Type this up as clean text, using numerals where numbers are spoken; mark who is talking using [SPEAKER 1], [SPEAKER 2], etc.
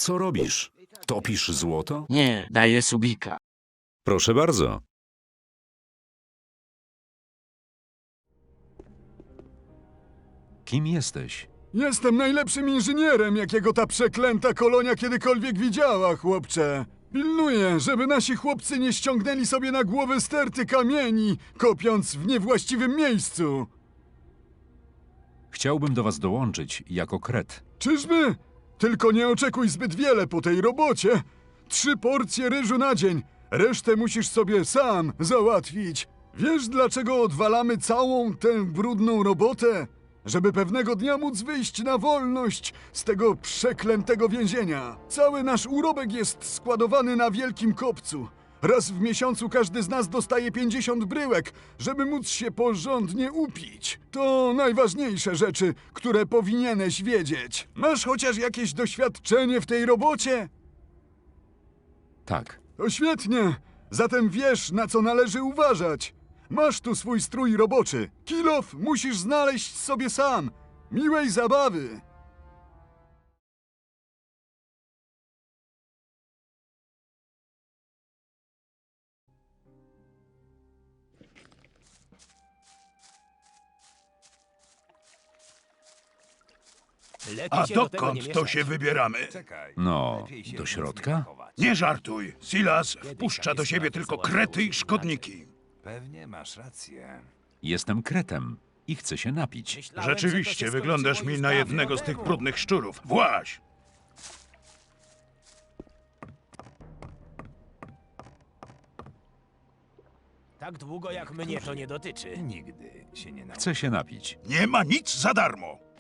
[SPEAKER 1] Co robisz? Topisz złoto?
[SPEAKER 2] Nie, daję subika.
[SPEAKER 1] Proszę bardzo. Kim jesteś?
[SPEAKER 3] Jestem najlepszym inżynierem, jakiego ta przeklęta kolonia kiedykolwiek widziała, chłopcze. Pilnuję, żeby nasi chłopcy nie ściągnęli sobie na głowę sterty kamieni, kopiąc w niewłaściwym miejscu.
[SPEAKER 1] Chciałbym do was dołączyć jako kret.
[SPEAKER 3] Czyżby? Tylko nie oczekuj zbyt wiele po tej robocie. 3 porcje ryżu na dzień. Resztę musisz sobie sam załatwić. Wiesz, dlaczego odwalamy całą tę brudną robotę? Żeby pewnego dnia móc wyjść na wolność z tego przeklętego więzienia. Cały nasz urobek jest składowany na wielkim kopcu. Raz w miesiącu każdy z nas dostaje 50 bryłek, żeby móc się porządnie upić. To najważniejsze rzeczy, które powinieneś wiedzieć. Masz chociaż jakieś doświadczenie w tej robocie?
[SPEAKER 1] Tak.
[SPEAKER 3] To świetnie. Zatem wiesz, na co należy uważać. Masz tu swój strój roboczy. Kilof musisz znaleźć sobie sam. Miłej zabawy.
[SPEAKER 4] A dokąd to się wybieramy?
[SPEAKER 1] No, do środka?
[SPEAKER 4] Nie żartuj. Silas wpuszcza do siebie tylko krety i szkodniki.
[SPEAKER 5] Pewnie masz rację.
[SPEAKER 1] Jestem kretem i chcę się napić.
[SPEAKER 4] Rzeczywiście, wyglądasz mi na jednego z tych brudnych szczurów. Właź!
[SPEAKER 6] Tak długo jak mnie to nie dotyczy.
[SPEAKER 5] Nigdy się nie nauczy.
[SPEAKER 1] Chcę się napić.
[SPEAKER 4] Nie ma nic za darmo.